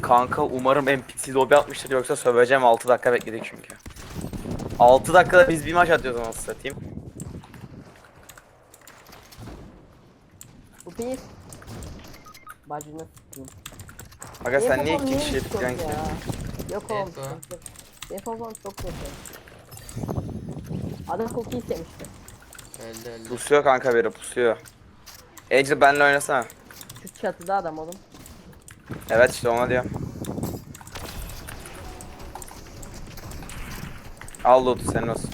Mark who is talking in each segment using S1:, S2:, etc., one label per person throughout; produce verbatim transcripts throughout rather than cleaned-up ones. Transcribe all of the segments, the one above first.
S1: Kanka umarım N P C lobi atmıştır yoksa söveceğim. Altı dakika bekledik çünkü. Altı dakikada biz bir maç atıyoruz nasıl satayım.
S2: Bu pis. Bacını s**eyim.
S1: Aga sen niye
S2: Benim
S1: iki
S2: babam
S1: kişi
S2: niye
S1: yapıyorsun
S2: hiç
S1: ki?
S2: yok ya? Yok oğlum.
S3: Evet, o.
S2: sıkıntı yok. Benim babam çok kötü. Adam cookie istemişti.
S3: Öldü öldü.
S1: Pusuyor kanka biri pusuyor. Angel benle oynasana.
S2: Şu çatıda adam oğlum.
S1: Evet işte ona diyorum. Al loot'u senin olsun.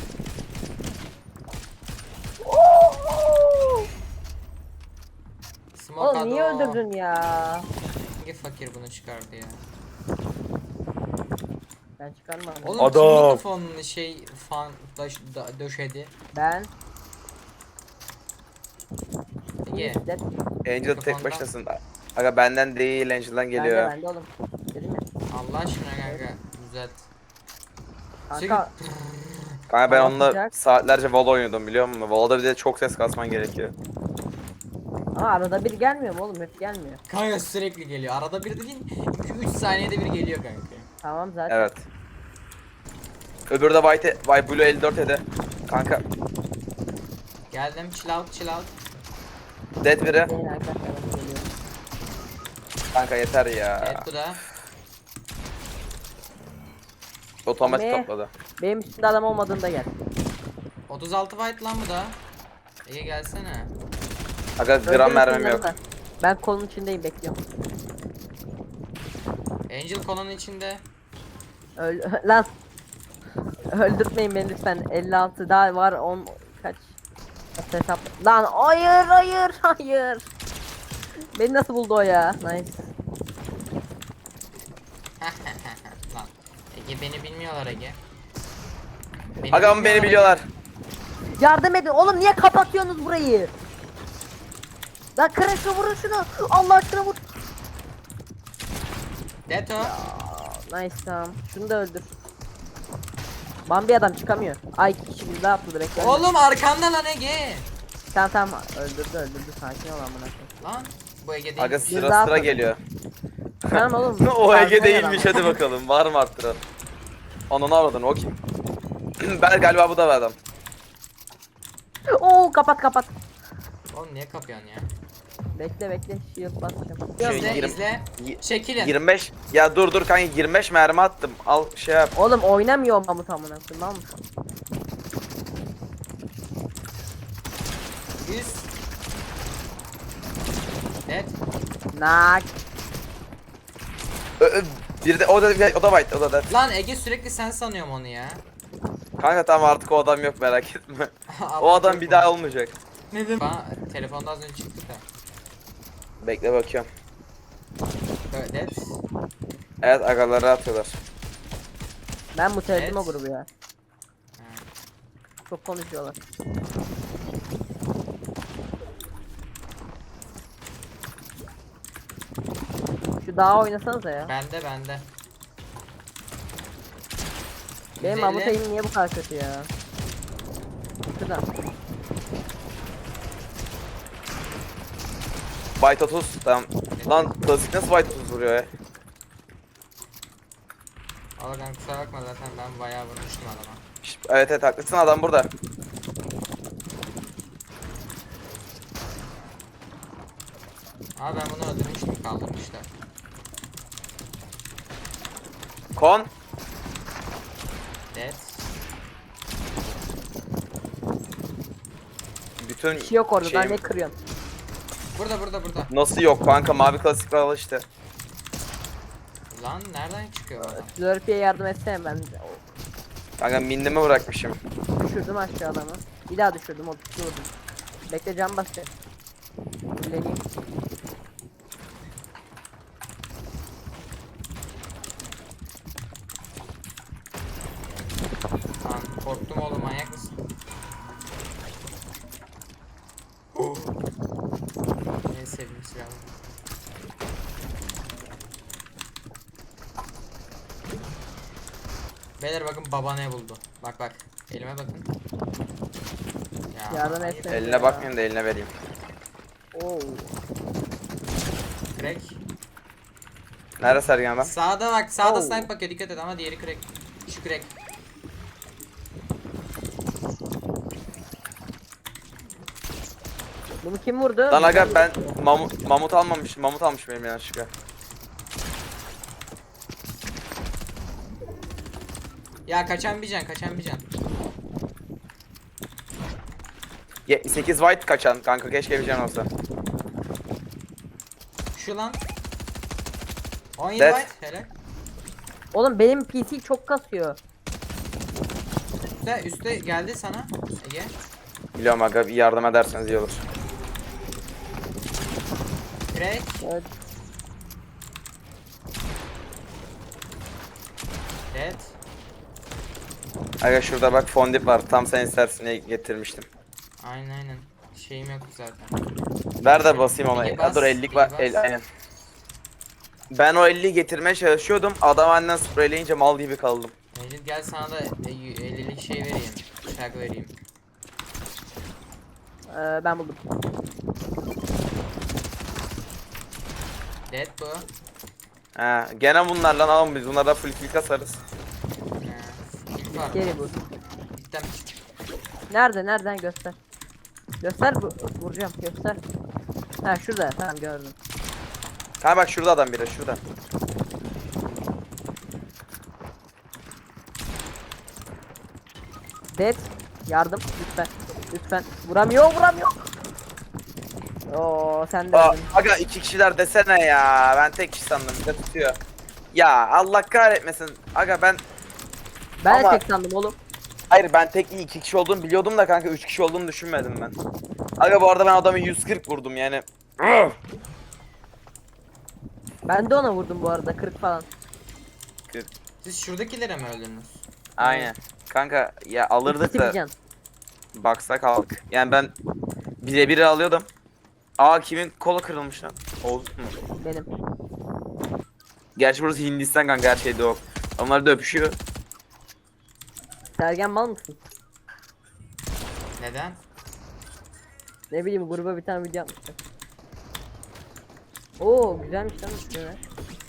S3: Smoke
S2: Oğlum niye
S3: ado.
S2: öldürdün ya?
S3: Hangi fakir bunu çıkardı ya?
S2: Ben çıkarmadım.
S3: Oğlum
S1: Adam.
S3: kim mikrofonunu şey fan daş, da, döşedi?
S2: Ben.
S3: Ege.
S2: Dead.
S1: Angel tek
S3: Mikrofondan.
S1: başınasın. Aga benden değil Angel'dan
S2: Bende
S1: geliyor.
S2: bende oğlum. Dedim ya.
S3: Allah aşkına kanka düzelt.
S2: Kanka
S1: Kanka ben
S2: Hava
S1: onunla
S2: sıcak.
S1: saatlerce Valo oynuyordum biliyor musun? Valo'da bir de çok ses kasman gerekiyor.
S2: ama arada bir gelmiyor mu oğlum? Hep gelmiyor.
S3: Kanka sürekli geliyor. Arada bir dediğin iki üç saniyede bir geliyor kanka.
S2: Tamam zaten.
S1: Evet. Öbürü de White, White Blue elli dört ede. Kanka
S3: Geldim chill out chill out.
S1: dead biri.
S2: Benim arkadaşlarım geliyor.
S1: Kanka yeter ya.
S3: Evet bu da.
S1: Otomatik
S2: Ne?
S1: topladı.
S2: Benim üstünde adam olmadığında gel.
S3: otuz altı white lan bu da. Ege gelsene.
S1: Aga gram
S2: Öldürün
S1: mermim
S2: şunları
S1: yok.
S2: da. Ben kolun içindeyim bekliyorum.
S3: Angel kolonun içinde.
S2: Öl lan. Öldürtmeyin beni lütfen. elli altı daha var on kaç hesap. Lan hayır hayır hayır. Beni nasıl buldu o ya? Nice.
S3: Lan. Ege beni bilmiyorlar Ege. Beni
S1: Aga beni
S3: bilmiyorlar
S1: biliyorlar.
S2: Yardım edin. Oğlum niye kapatıyorsunuz burayı? Lan kırın şunu vurun şunu. Allah aşkına vur.
S3: Ege. Deto.
S2: Aa, nice tamam. Şunu da öldür. Bambi adam çıkamıyor. Ay iki kişi bir daha atladı bekle.
S3: Oğlum arkanda lan Ege.
S2: Tamam tamam öldürdü öldürdü sakin ol amına koyayım.
S3: Lan. Bu Ege değil.
S1: Aga
S3: mi?
S1: sıra
S2: daha
S1: sıra
S2: atladı.
S1: geliyor.
S2: Tamam oğlum.
S1: O Ege
S2: sakin ol
S1: değilmiş
S2: adam.
S1: hadi bakalım. Var mı arttıran? Ananı avradın o kim? Ben galiba bu da bir adam.
S2: Oo kapat kapat.
S3: Oğlum niye kapıyorsun ya?
S2: Bekle bekle shield basacağım.
S1: Şey,
S3: İzle
S1: yirmi-
S3: izle.
S1: Y-
S3: Çekilin.
S1: yirmi beş. Ya dur dur kanka yirmi beş mermi attım. Al şey yap.
S2: Oğlum oynamıyor Mahmut amına koyayım lan.
S3: yüz. Net.
S2: Nak.
S1: Ö, ö, bir de o da o da white o da dead.
S3: Lan Ege sürekli sen sanıyorum onu ya.
S1: Kanka tamam artık o adam yok merak etme. O adam bir daha olmayacak.
S3: Ne dedim? Bana telefonda az önce çıktı da.
S1: Bekle bakıyorum.
S3: Evet.
S1: Evet agaları atıyorlar.
S2: Ben bu o
S3: Evet.
S2: grubu ya. Çok konuşuyorlar. Şu dağa oynasanıza ya.
S3: Bende bende.
S2: Benim
S3: yüz
S2: Mahmut
S3: elli.
S2: Eğim niye bu kadar kötü ya? Şurada.
S1: White otuz tamam. Lan klasik nasıl white otuz vuruyor ya?
S3: Valla kanka kusura bakma zaten ben bayağı vurmuştum adama.
S1: Şşt, evet evet haklısın adam burada.
S3: Abi ben bunu öldürmüştüm kaldırmışlar.
S1: Kon.
S3: Dead.
S1: Bütün
S2: Bir şey yok orada.
S1: şeyim-
S2: Ben ne kırıyorsun?
S3: Burada burada burada.
S1: Nasıl yok kanka mavi klasik var işte.
S3: Lan nereden çıkıyor bu adam?
S2: Slurpee'ye yardım etsene ben.
S1: Kanka minnimi bırakmışım.
S2: Düşürdüm aşağı adamı. Bir daha düşürdüm o düşürdüm. Bekle can basacak. Fulleneyim.
S3: Lan korktum oğlum manyak mısın? En sevdiğim silah. Beyler bakın baba ne buldu. Bak bak. Elime bakın. Ya,
S2: Yardım
S3: ayıp.
S2: etsene.
S1: Eline bakmayayım da eline vereyim.
S2: Oo.
S3: Crack.
S1: Nerede Sergen ben?
S3: Sağda bak, sağda
S2: Oo.
S3: snipe bakıyor, dikkat et ama diğeri crack. Şu crack.
S2: Bunu kim vurdu?
S1: Lan aga ben mamut, mamut almamışım. Mamut almış benim yanlışlıkla.
S3: Ya kaçan bir can, kaçan bir can.
S1: Ye- sekiz white kaçan kanka, keşke bir can olsa.
S3: Şu lan. on yedi
S1: Dead.
S3: white, helal.
S2: Oğlum benim P C çok kasıyor.
S3: Üste, üste geldi sana Ege.
S1: Biliyorum aga, bir yardım ederseniz iyi olur.
S3: Crack.
S2: Evet.
S3: Dead.
S1: Aga şurada bak fondip var. Tam sen istersin diye getirmiştim.
S3: Aynen aynen. Şeyim yok zaten.
S1: Ver de basayım ona.
S3: İyi
S1: Ya dur
S3: bas,
S1: ellik
S3: iyi
S1: var.
S3: bas.
S1: El, aynen. Ben o elliyi getirmeye çalışıyordum. Adam benden spreyleyince mal gibi kaldım.
S3: Mecid gel sana da e, ellilik şey vereyim. Bıçak vereyim.
S2: Ee, ben buldum.
S3: Dead bu.
S1: He, gene bunlarla alalım biz. Bunlardan full kill kasarız.
S3: He. İlk var.
S2: Geri vur.
S3: Gittim.
S2: Nerede? Nereden göster? Göster bu vuracağım göster. Ha şurada tamam gördüm.
S1: Ha bak şurada adam biri şurada.
S2: Dead. Yardım lütfen. Lütfen. Vuramıyor vuramıyor. Oo sen de
S1: Aa,
S2: öldün.
S1: aga iki kişiler desene ya. Ben tek kişi sandım. Bir de tutuyor. Ya Allah kahretmesin. Aga ben
S2: Ben de
S1: ama-
S2: tek sandım oğlum.
S1: hayır ben tek iyi iki kişi olduğunu biliyordum da kanka üç kişi olduğunu düşünmedim ben. Aga bu arada ben adamı yüz kırk vurdum yani.
S2: Ben de ona vurdum bu arada kırk falan.
S3: Siz şuradakilere mi öldünüz?
S1: Aynen. Kanka ya alırdık
S2: İkisi bir
S1: da
S2: can.
S1: baksak aldık. Yani ben birebir alıyordum. Aa kimin kolu kırılmış lan? Oğuz mu?
S2: Benim.
S1: Gerçi burası Hindistan kanka, her şeyde o. Onlar da öpüşüyor.
S2: Sergen mal mısın?
S3: Neden?
S2: Ne bileyim gruba bir tane video yapmışlar. Oo güzelmiş lan üstüne.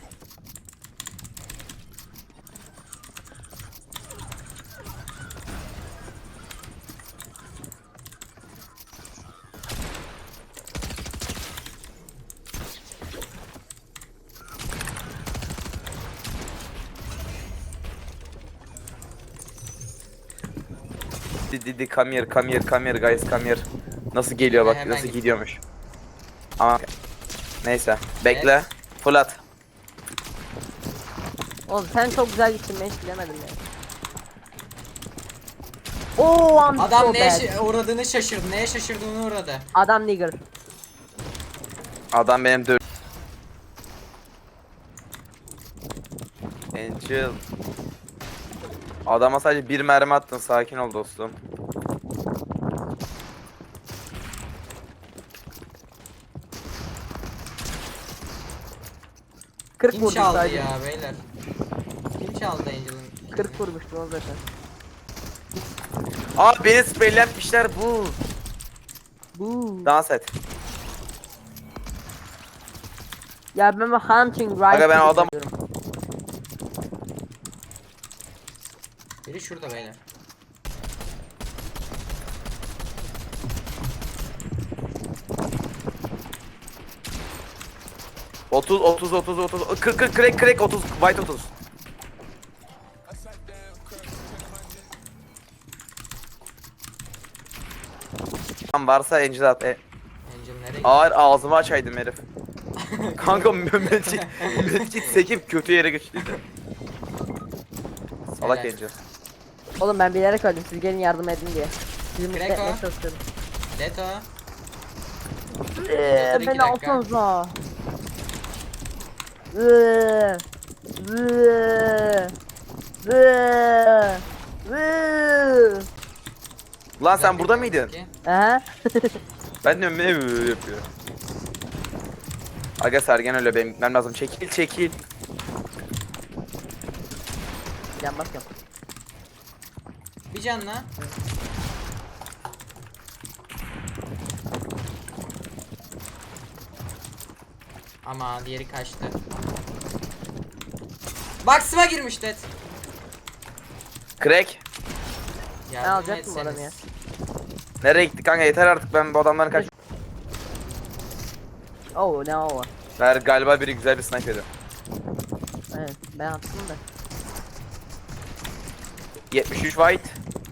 S1: Didi di come here, come here, come here guys, come here. Nasıl geliyor bak,
S3: Hemen
S1: nasıl
S3: git.
S1: gidiyormuş. Ama neyse, bekle. Fırlat.
S2: Oğlum sen çok güzel gittin ben hiç bilemedim ya. Oo I'm
S3: Adam
S2: so
S3: neye
S2: bad.
S3: şa- uğradığını şaşırdı. Neye şaşırdığını uğradı.
S2: Adam nigger.
S1: Adam benim dö... Angel. Adama sadece bir mermi attın, sakin ol dostum.
S2: kırk
S3: Kim
S2: vurdum
S3: çaldı
S2: sadece.
S3: ya beyler? Kim çaldı Angel'ın?
S2: kırk vurmuştum o zaten.
S1: Aa beni spreylenmişler bu.
S2: Bu.
S1: Dans et.
S2: Ya ben bu hunting rifle
S1: Aga ben adam-
S2: diyorum.
S3: Biri şurada beyler.
S1: otuz otuz otuz otuz kırk kırk crack crack otuz white otuz. Tam varsa Angel at. E,
S3: Angel nereye
S1: ağır ağzımı açaydım herif. Kanka Mehmetçik Mehmetçik sekip kötü yere geçtiydi. Salak
S3: Helal.
S1: Angel.
S2: Oğlum ben bilerek öldüm siz gelin yardım edin diye. Sizi mutlu
S3: Kreko.
S2: etmeye çalışıyorum.
S3: Leto.
S2: Eee
S3: Dur iki
S2: beni
S3: dakika.
S2: alsanıza. Eee. Eee. Eee. Eee.
S1: Lan sen burada mıydın?
S3: Ki.
S2: Aha.
S1: Ben de ne yapıyor? Aga Sergen öyle, benim gitmem lazım. Çekil çekil.
S2: Can basıyorum.
S3: Bir canla. Ama diğeri kaçtı. Box'ıma girmiş Dead.
S1: Crack.
S3: Yardım
S2: alacaktım bu adamı
S3: etseniz.
S1: Nereye gitti kanka, yeter artık, ben bu adamların kaç...
S2: Oo ne o?
S1: Ver, galiba biri güzel bir sniper yedi.
S2: Evet ben attım da.
S1: yetmiş üç white.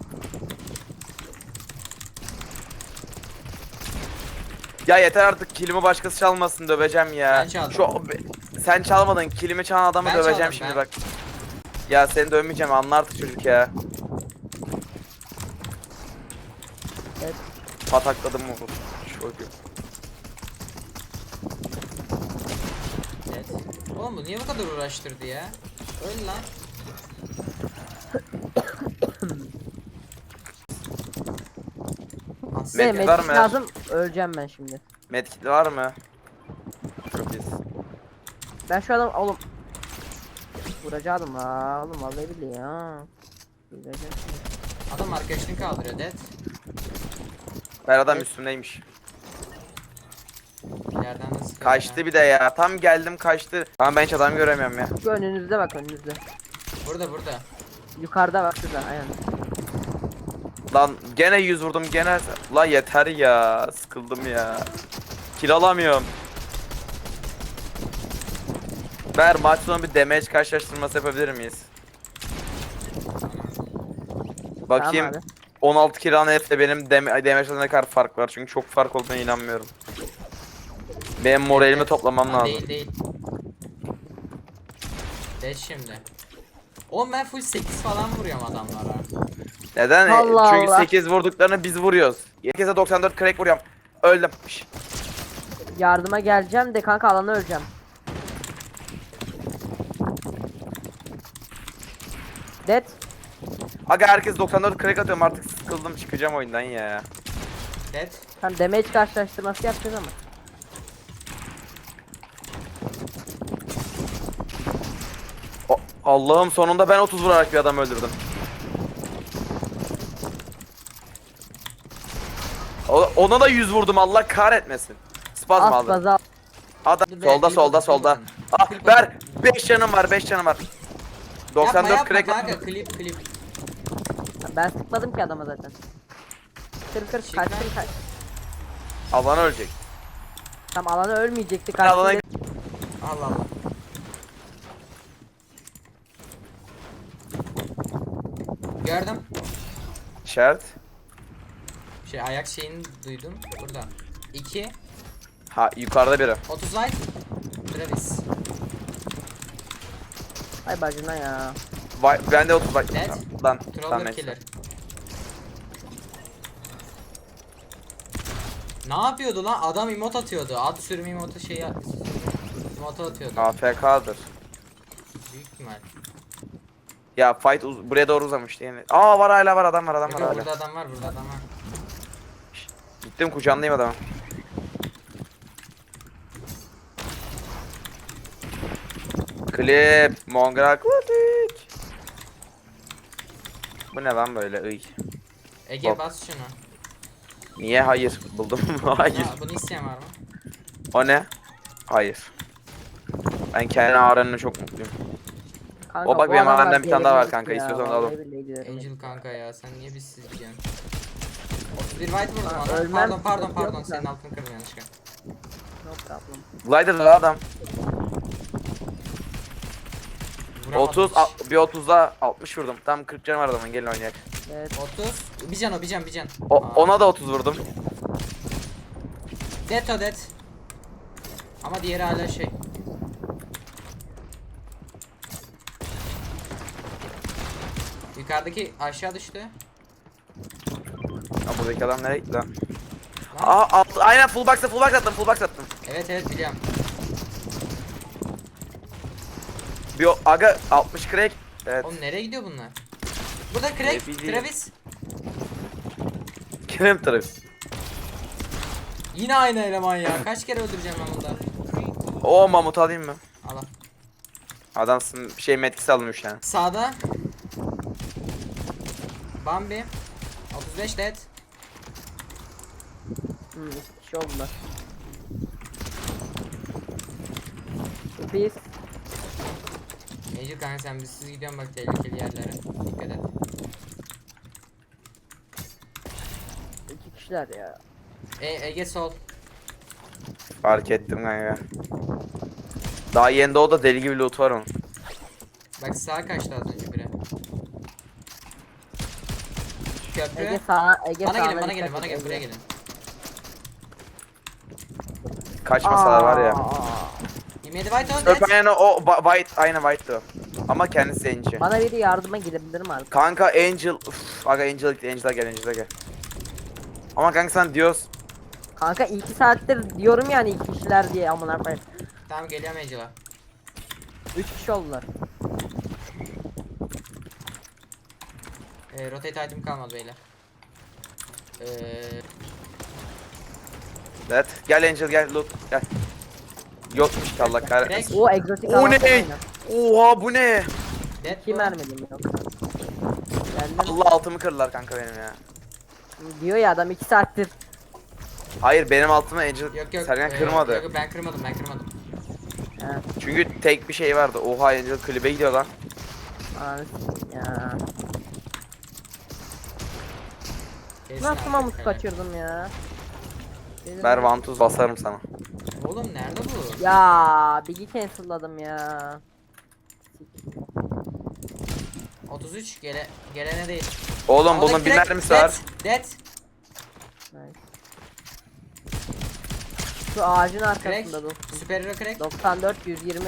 S1: Ya yeter artık, kilimi başkası çalmasın, döveceğim ya.
S3: Ben çaldım.
S1: Şu sen çalmadın, kilimi çalan adamı
S3: Ben
S1: döveceğim
S3: çaldım,
S1: şimdi
S3: ben.
S1: bak. Ya seni dövmeyeceğim, anla artık çocuk ya.
S2: Evet.
S1: Patakladım mı? Çocuk.
S3: Dead. Oğlum bu niye bu kadar uğraştırdı ya? Öl lan. As-
S2: Ne
S1: Medkit var
S2: medkit
S1: mı?
S2: lazım öleceğim ben şimdi.
S1: Medkit var mı? Çok iyisin.
S2: Ben şu adam oğlum. Vuracaktım la oğlum vallahi billahi ya. Vuracağım şimdi.
S3: Adam arkadaşını kaldırıyor Dead.
S1: Ben adam üstümdeymiş.
S3: İleriden nasıl sıkıyor
S1: Kaçtı
S3: ya?
S1: bir de ya. Tam geldim kaçtı. Tamam, ben hiç adam göremiyorum ya.
S2: Şu önünüzde bak önünüzde.
S3: Burada burada.
S2: Yukarıda bak şurada aynen.
S1: Lan gene yüz vurdum gene. Lan yeter ya. Sıkıldım ya. Kill alamıyorum. Ver, maç sonu bir damage karşılaştırması yapabilir miyiz? Bakayım.
S2: Tamam abi.
S1: on altı kill alan herifle benim dam damage'da ne kadar fark var, çünkü çok fark olduğuna inanmıyorum. Benim moralimi
S3: Dead.
S1: toplamam
S3: Aa,
S1: lazım.
S3: Değil değil. Dead şimdi. Oğlum ben full sekiz falan vuruyorum adamlara.
S1: Neden? E,
S2: Allah
S1: Çünkü
S2: Allah.
S1: sekiz vurduklarını biz vuruyoruz. Herkese doksan dört crack vuruyorum. Öldüm. Şş.
S2: Yardıma geleceğim de kanka alana öleceğim. Dead.
S1: Aga herkes doksan dört crack atıyorum, artık sıkıldım, çıkacağım oyundan ya.
S3: Dead.
S2: Tam damage karşılaştırması yapacağız ama.
S1: O- Allah'ım, sonunda ben otuz vurarak bir adam öldürdüm. O- ona da yüz vurdum, Allah kahretmesin. Spazm
S2: As
S1: aldım.
S2: baza.
S1: Adam
S3: Dur be,
S1: solda
S3: klip
S1: solda
S3: atın,
S1: solda.
S3: klip
S1: Ah
S3: Klip
S1: ver,
S3: atın.
S1: beş canım var, beş canım var. doksan
S3: Yapma
S1: dört
S3: yapma
S1: crack
S3: kanka
S1: attım.
S3: klip klip.
S2: Ben sıkmadım ki adama zaten. Kır kır
S3: Çık
S2: kaç
S3: lan.
S2: kır kaç.
S1: Alan ölecek.
S2: Tam alana ölmeyecekti
S1: Ben alana
S2: karşısında.
S3: Allah Allah. Gördüm.
S1: işaret.
S3: Şey ayak şeyini duydum. Burada. iki.
S1: Ha, yukarıda biri.
S3: otuz light. Travis.
S2: Ay bacına ya.
S1: Vay, bende otuz bak.
S3: Dead.
S1: Lan,
S3: Troller
S1: tamam neyse.
S3: killer. Ne yapıyordu lan? Adam emot atıyordu. Ad sürüm emotu şey emotu atıyordu.
S1: A F K'dır.
S3: Büyük ihtimal.
S1: Ya fight uz- buraya doğru uzamıştı yani. Aa, var hala, var adam var, adam var
S3: Yok,
S1: hala.
S3: burada adam var, burada adam var.
S1: Gittim kucağındayım adamı. Klip, Mongrel Klatik. Bu ne lan böyle, ıy.
S3: Ege
S1: Hop.
S3: bas şunu.
S1: Niye? Hayır. Buldum. Hayır.
S3: Ha, bunu isteyen var mı?
S1: O ne? Hayır. Ben kendi ağrınına çok mutluyum.
S2: Kanka,
S1: O bak,
S2: bu
S1: benim
S2: adamlar
S1: alemde bir tane daha var
S2: delirmiş
S1: kanka,
S2: ya,
S1: istiyorsan
S2: vallahi
S1: alalım.
S2: billahi diyorum.
S3: Angel kanka ya sen niye bizsiz gidiyorsun? otuz bir white vurdum
S2: Aa,
S3: ona.
S2: ölmem,
S3: Pardon pardon
S2: yok
S3: pardon
S2: da.
S3: senin altını kırdım yanlışlıkla.
S2: No problem.
S1: Glider da adam.
S3: Vuramadım
S1: otuz,
S3: hiç.
S1: al- bir otuzda altmış vurdum. Tam kırk canım var adamın, gelin oynayak.
S2: Evet.
S3: otuz. Bir can o bir can bir can.
S1: O,
S3: Aa.
S1: ona da otuz vurdum.
S3: Dead o dead. Ama diğeri hala şey. Yukarıdaki aşağı düştü.
S1: Ha, buradaki adam nereye gitti lan?
S3: Lan.
S1: Aa, alt, aynen full box'a full box attım, full box attım.
S3: Evet evet biliyorum.
S1: Bir o- aga altmış crack. Evet.
S3: Oğlum nereye gidiyor bunlar? Burada
S1: Ne
S3: crack,
S1: bileyim.
S3: Travis.
S1: Kerem tarafı.
S3: Yine aynı eleman ya. Kaç kere öldüreceğim ben bunda?
S1: O mamut alayım mı?
S3: Al al.
S1: Adamsın, bir şey metkisi alınmış yani.
S3: Sağda. Bambi. otuz beş dead.
S2: Hmm, iki kişi oldular. Biz
S3: Angel kanka sen bizsiz gidiyorsun bak tehlikeli yerlere. Dikkat et.
S2: İki kişiler ya.
S3: E Ege sol.
S1: Fark ettim kanka. Daha yeni doğdu deli gibi loot var onun.
S3: Bak sağa kaçtı az önce biri. Köprü.
S2: Ege sağa, Ege
S3: Bana
S2: sağına
S3: gelin bana
S2: dikkat
S3: gelin
S2: et,
S3: bana gelin
S2: Ege.
S3: buraya gelin.
S1: Kaçmasalar var ya.
S2: Aa.
S3: yirmi yedi white on
S1: Öp
S3: dead.
S1: aynen o ba- white aynı white o. Ama kendisi Angel.
S2: Bana biri yardıma gelebilir mi artık?
S1: Kanka Angel uf, aga Angel gitti Angel'a gel Angel'a gel. Ama kanka sen diyoruz.
S2: Kanka iki saattir diyorum yani iki kişiler diye amına koyayım.
S3: Tamam geliyorum Angel'a.
S2: Üç kişi oldular.
S3: Ee, rotate item kalmadı beyler. Ee,
S1: Evet gel Angel gel loot gel. Yokmuş ki Allah kahretsin.
S2: O egzotik
S1: O ne?
S2: alan aynen.
S1: Oha bu ne?
S3: dead
S2: Kim
S3: bu.
S2: vermedim yok. Geldim.
S1: Allah altımı kırdılar kanka benim ya.
S2: Diyor ya adam iki saattir.
S1: Hayır benim altımı Angel
S3: Yok yok.
S1: Sergen
S3: ee,
S1: kırmadı.
S3: Yok, yok, ben kırmadım ben kırmadım.
S2: Ha,
S1: Çünkü tek bir şey vardı. Oha Angel klibe gidiyor lan.
S2: anasını ya.
S3: Kesin
S2: Nasıl
S3: artık
S2: mamut
S3: helal.
S2: kaçırdım ya. Dedim
S1: Ver
S2: ya.
S1: vantuz basarım sana.
S3: Oğlum nerede bu?
S2: Ya Big'i cancelladım ya.
S3: otuz üç gele gelene değil.
S1: Oğlum bunun
S3: Havadaki
S1: bir
S3: direkt
S1: mermisi
S3: dead,
S1: var.
S3: Dead.
S2: Nice. Şu ağacın arkasında
S3: Crack.
S2: dostum.
S3: Süper hero crack.
S2: doksan dört yüz yirmi.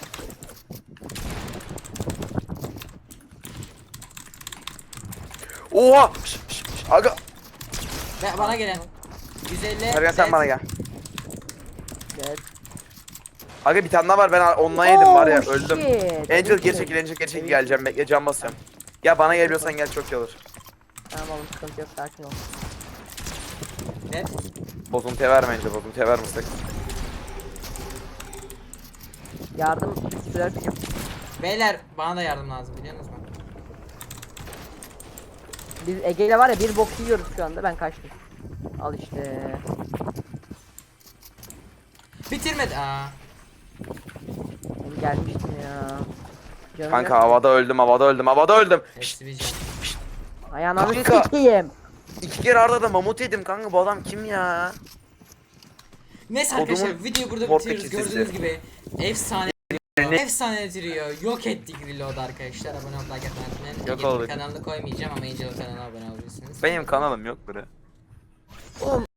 S1: Oha! Şş, şş, şş, aga.
S3: Ve bana gelen. yüz elli.
S1: Sergen sen
S3: dead.
S1: bana gel.
S2: Evet.
S1: Aga bir tane daha var ben ondan yedim var ya
S2: Oh,
S1: öldüm.
S2: shit.
S1: Angel geri çekil Angel geri çekil geleceğim bekle can basıyorum. Ya bana geliyorsan gel çok iyi olur.
S2: Tamam oğlum sıkıntı yok sakin ol.
S3: Dead.
S1: Bozuntuya verme Angel bozuntuya verme sakın.
S2: Yardım sürer.
S3: Beyler bana da yardım lazım biliyor musunuz?
S2: Biz Ege ile var ya bir bok yiyoruz şu anda ben kaçtım. Al işte.
S3: Bitirmedi. Aa.
S2: Ben gelmiştim ya. Canım
S1: Kanka
S2: yok.
S1: havada öldüm havada öldüm havada öldüm. Şşt,
S3: Hepsi bir can.
S2: Ayağına bir
S1: Kanka.
S2: sikeyim.
S1: iki kere arda da mamut yedim kanka bu adam kim ya?
S3: Neyse
S1: Kodumun
S3: arkadaşlar videoyu burada
S1: Portekiz
S3: bitiriyoruz.
S1: dizisi.
S3: Gördüğünüz gibi efsane efsane trio yok ettik reload arkadaşlar. Abone olup like atmayı unutmayın.
S1: Yok
S3: Ege'nin
S1: olduk.
S3: kanalını koymayacağım ama Angel'ın kanalına abone olabilirsiniz.
S1: Benim kanalım yok buraya.